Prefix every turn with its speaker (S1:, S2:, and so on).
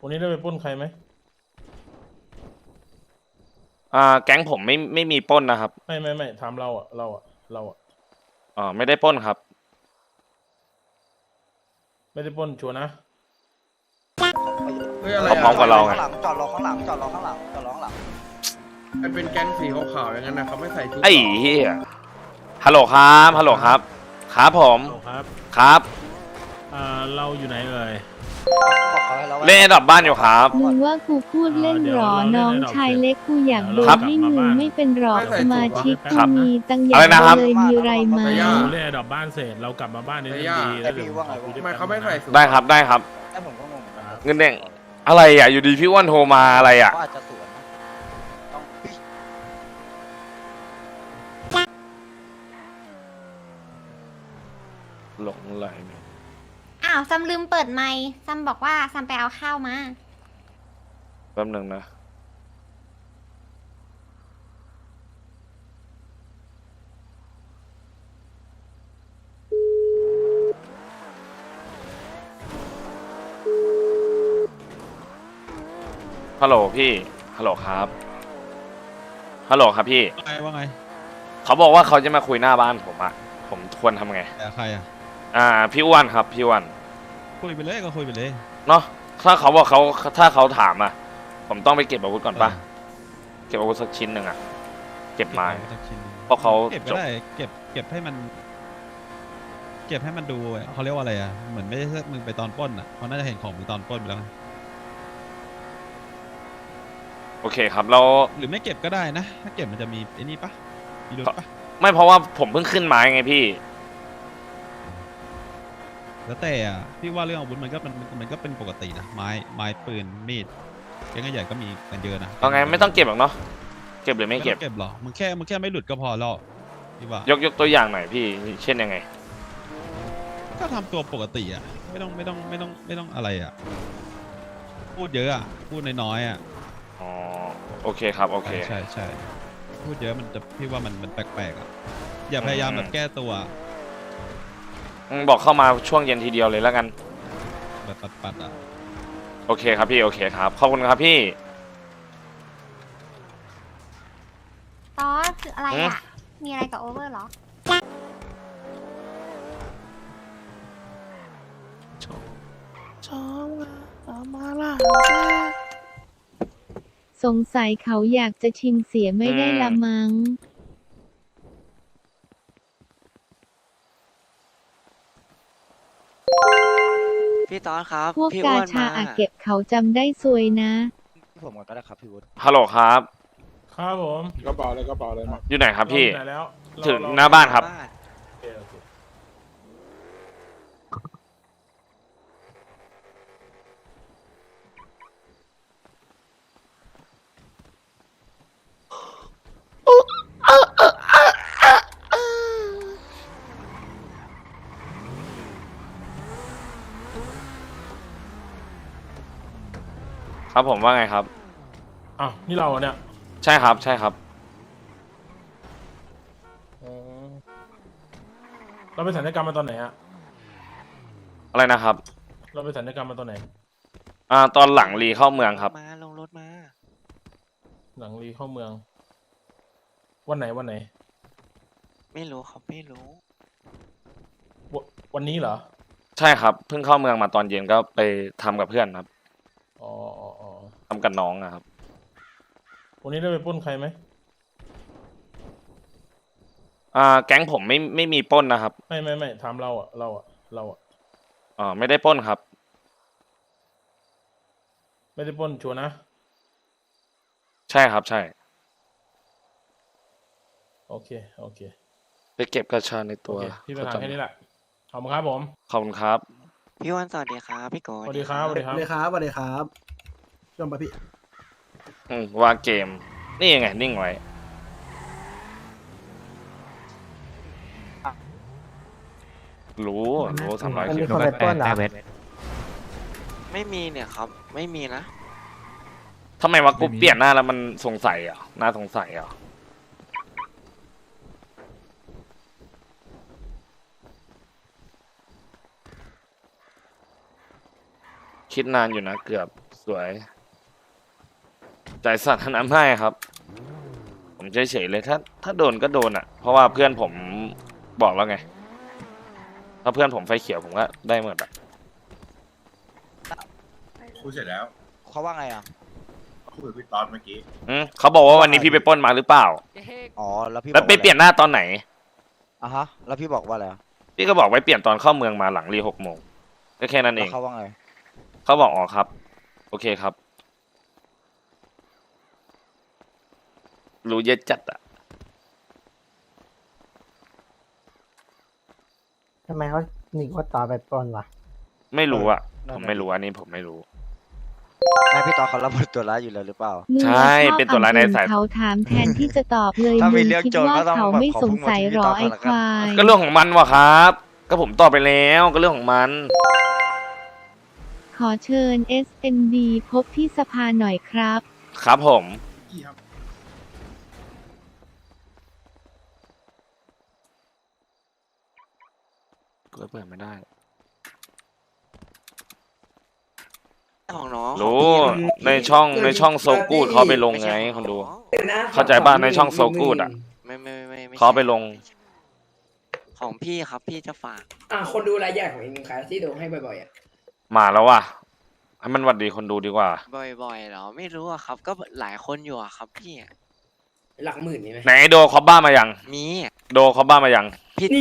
S1: วันนี้ได้ไปปล้นใครไหม
S2: แก๊งผมไม่มีปล้นนะครับ
S1: ไม่ถามเราอ่ะเราอ่ะ
S2: ไม่ได้ปล้นครับ
S1: ไม่ได้ปล้นชัวร์นะ
S3: เฮ้ยอะไร
S2: เขาพร้อมกับเราไง
S4: จอดรอข้างหลังจอดรอข้างหลังจอดรอข้างหลัง
S3: มันเป็นแก๊งสีขาวๆอย่างนั้นนะเขาไม่ใส่ชุด
S2: ไอ้เหี้ยฮัลโหลครับฮัลโหลครับครับผม
S1: ครับ
S2: ครับ
S1: เราอยู่ไหนเอ่ย
S4: บอกเขาให้เรา
S2: เล่นดับบ้านอยู่ครับ
S5: มึงว่ากูพูดเล่นหรอ น้องชายเล็กกูอยากโดน
S2: ครับ
S5: ให้มึงไม่เป็นหรอกสมาชิก
S2: ครั
S5: กู
S2: บ
S5: มีตั้งเย
S2: อะไร
S5: อะ
S2: นะครับ
S5: เลยมีไรไหม
S1: เราเล่นดอกบ้านเสร็จเรากลับมาบ้านในเรื่องดี
S4: ไอพี่ว่าไงวะ
S3: ทำไมเขาไม่ใส่สูท
S2: ได้ครับได้ครับ
S4: ไอผมก็งงเหมือนกัน
S2: เงินแดงอะไรอ่ะอยู่ดีพี่อ้วนโทรมาอะไรอ่ะ
S4: เขาอาจจะสวนนะต้อง
S2: หลงไหล
S6: อ้าวซัมลืมเปิดไมค์ซัมบอกว่าซัมไปเอาข้าวมา
S2: แป๊บหนึ่งนะฮัลโหลพี่ฮัลโหลครับฮัลโหลครับพี่
S7: ว่าไง
S2: เขาบอกว่าเขาจะมาคุยหน้าบ้านผมอะผมควรทำไง
S7: แต่ใครอ่ะ
S2: พี่อ้วนครับพี่อ้วน
S7: คุยไปเลยก็คุยไปเลย
S2: เนาะถ้าเขาบอกถ้าเขาถามอะผมต้องไปเก็บอาวุธก่อนปะเก็บอาวุธสักชิ้นหนึ่งอะเก็บไม้
S7: สักชิ้นหนึ่ง
S2: เพราะเขา
S7: เก็บ
S2: จ
S7: ก็
S2: บ
S7: ได้เก็บให้มัน เก็บให้มันดูเขาเรียกว่าอะไรอ่ะเหมือนไม่ใช่มึงไปตอนปล้นอ่ะเขาน่าจะเห็นของมึงตอนปล้นไปแล้วไง
S2: โอเคครับเรา
S7: หรือไม่เก็บก็ได้นะถ้าเก็บมันจะมีไอ้นี่ปะมีรถปะ
S2: ไม่เพราะว่าผมเพิ่งขึ้นไม้ไงพี่
S7: แล้วแต่อ่ะพี่ว่าเรื่องอาวุธมันก็เป็นปกตินะไม้ปืนมีดแก๊งใหญ่ก็มีกันเยอะนะ
S2: เอาไงไม่ต้องเก็บหรอกเนาะเก็บหรือไม่เก็บ
S7: เก็บหรอมึงแค่ไม่หลุดก็พอแล้วพี่ว่าย
S2: กตัวอย่างหน่อยพี่เช่นยังไง
S7: ก็ทำตัวปกติอ่ะไม่ต้องอะไรอ่ะพูดเยอะอ่ะพูดน้อยๆอ่ะ
S2: อ๋อโอเคครับโอเค
S7: ใช่พูดเยอะมันจะพี่ว่ามันแปลกๆอ่ะอย่าพยายามแบบแก้ตัว
S2: บอกเข้ามาช่วงเย็นทีเดียวเลยแล้วกัน
S7: แบบปัดอ่ะ
S2: โอเคครับพี่โอเคครับขอบคุณครับพี่
S6: ตอสคืออะไรอ่ะ มีอะไรกับโอเวอร์เหรอ
S5: สงสัยเขาอยากจะชิงเสียไม่ได้ละมั้ง
S4: พี่ตอนครับ
S5: พวก
S4: พี่
S5: กา
S4: อ้วน
S5: ชา
S4: มา
S5: อาเก็บเขาจำได้ซวยนะ
S4: ผมก่อนก็ได้ครับพี่วุฒิ
S2: ฮัลโหลครับ
S1: ครับผม
S3: กระเป๋าเลยมา
S2: อยู่ไหนครับพี่
S1: เราอยู่ไหนแล้ว
S2: ถึงหน้าบ้านครับ
S1: โอเค
S2: ครับผมว่าไงครับ
S1: อ้าวนี่เราเหรอเนี่ย
S2: ใช่ครับใช่ครับ
S1: อ๋อเราไปสัญญกรรมมาตอนไหนฮะ
S2: อะไรนะครับ
S1: เราไปสัญญกรรมมาตอนไหน
S2: ตอนหลังรีเข้าเมืองครับ
S4: มาลงรถมา
S1: หลังรีเข้าเมือง วันไหน
S4: ไม่รู้ครับไม่รู้
S1: วันนี้เหรอ
S2: ใช่ครับเพิ่งเข้าเมืองมาตอนเย็นก็ไปทำกับเพื่อนครับ
S1: อ๋อ
S2: ทำกับน้องนะครับ
S1: วันนี้ได้ไปปล้นใครไหม
S2: แก๊งผมไม่มีปล้นนะครับ
S1: ไม่ถามเราอ่ะเราอ่ะ
S2: ไม่ได้ปล้นครับ
S1: ไม่ได้ปล้นชัวร์นะ
S2: ใช่ครับใช่
S1: โอเค
S2: ไปเก็บกระชาใน
S1: โอ
S2: ตัว
S1: เคพี่ไปถามแค่นี้แหละขอบคุณครับผม
S2: ขอบคุณครับ
S4: พี่วันสวัสดีครับพี่โก
S1: สวัสดีครับ
S8: สวัสดีครับชมปะพี่
S2: วางเกม นี่ยังไงนิ่งไว้ รู้300
S8: มัน
S2: คิ
S8: มี
S2: ว
S8: คนไปปล้นเหรอ
S4: ไม่มีเนี่ยครับ ไม่มีนะ
S2: ทำไมวะกูเปลี่ยนหน้าแล้วมันสงสัยอ่ะน่าสงสัยอ่ะคิดนานอยู่นะเกือบสวยใจสั่นทน้ำให้ครับ ผมเฉยๆเลยถ้าโดนก็โดนอ่ะ เพราะว่าเพื่อนผมบอกแล้วไง ถ้าเพื่อนผมไฟเขียวผมก็ได้หมดอ่ะ
S9: คุยเสร็จแล้ว
S4: เขาว่าไงอ่ะ
S9: คุยกับพี่ตอนเมื่อกี้
S2: เขาบอกว่าวันนี้พี่ไปปล้นมาหรือเปล่า
S4: อ๋อแล้วพี่
S2: แล้วไป
S4: บอกาอะร
S2: เปลี่ยนหน้าตอนไหน
S4: อ่ะฮะแล้วพี่บอกว่าอะไรอ่ะ
S2: พี่ก็บอกไว้เปลี่ยนตอนเข้าเมืองมาหลังรี6 โมงก็แค่นั้นเอ
S4: แล้ว
S2: ง
S4: เขาว่าไง
S2: เขาบอกอ๋อครับ โอเคครับ รู้เยอะจัดอ่ะ
S10: ทำไมเขาหนีว่าต่อไปปล้นวะ
S2: ไม่รู้อ่ะ
S4: นั่น
S2: ผม
S4: น่ะ
S2: ไม่รู้อันนี้ผมไม่รู้
S4: แม่พี่ตอนเขารับบทตัวร้ายอยู่แล้วหรือเปล่า
S5: มึง
S2: ใช่
S5: อะชอบ
S2: เป็นตัวร้ายในสาย
S5: เขาถามแทนที่จะตอบเลย
S4: ถ้ามี
S5: มึง
S4: เรื่อง
S5: คิด
S4: โจร
S5: ว่า
S4: ก็ต้อง
S5: เขา
S4: แบบ
S5: ไม่
S4: ขอ
S5: ส
S4: พึ่
S5: ง
S4: ง
S5: สัย
S4: มาที่
S5: หรอ
S4: ต่อ
S5: ไอ้
S4: ก่อนละ
S5: ค
S4: กัน
S5: วาย
S2: ก็เรื่องของมันวะครับ ก็ผมตอบไปแล้วก็เรื่องของมัน
S5: ขอเชิญ SND พบที่สภาหน่อยครับ
S2: ครับผม
S9: พี่ครับ
S2: ก็เปิดไม่ได้
S4: ของน้อง
S2: รู้ในช่องโซกูดเขาไปลงไงคนดู เข้าใจป่ะในช่องโซกูดอ่ะ
S4: ไม่
S2: เขาไปลง
S4: ของพี่ครับพี่จะฝาก
S10: คนดูรายใหญ่ของเองครับที่ดูให้บ่อยๆอ่ะ
S2: มาแล้วว่ะให้มันหวัดดีคนดูดีกว่า
S4: บ่อยๆเหรอไม่รู้อะครับ ก็หลายคนอยู่อะครับพี่
S10: หลักหมื่นนี่ไหม
S2: ไหนโดคอบบ้ามายัง
S4: มี
S2: โดคอบบ้ามายัง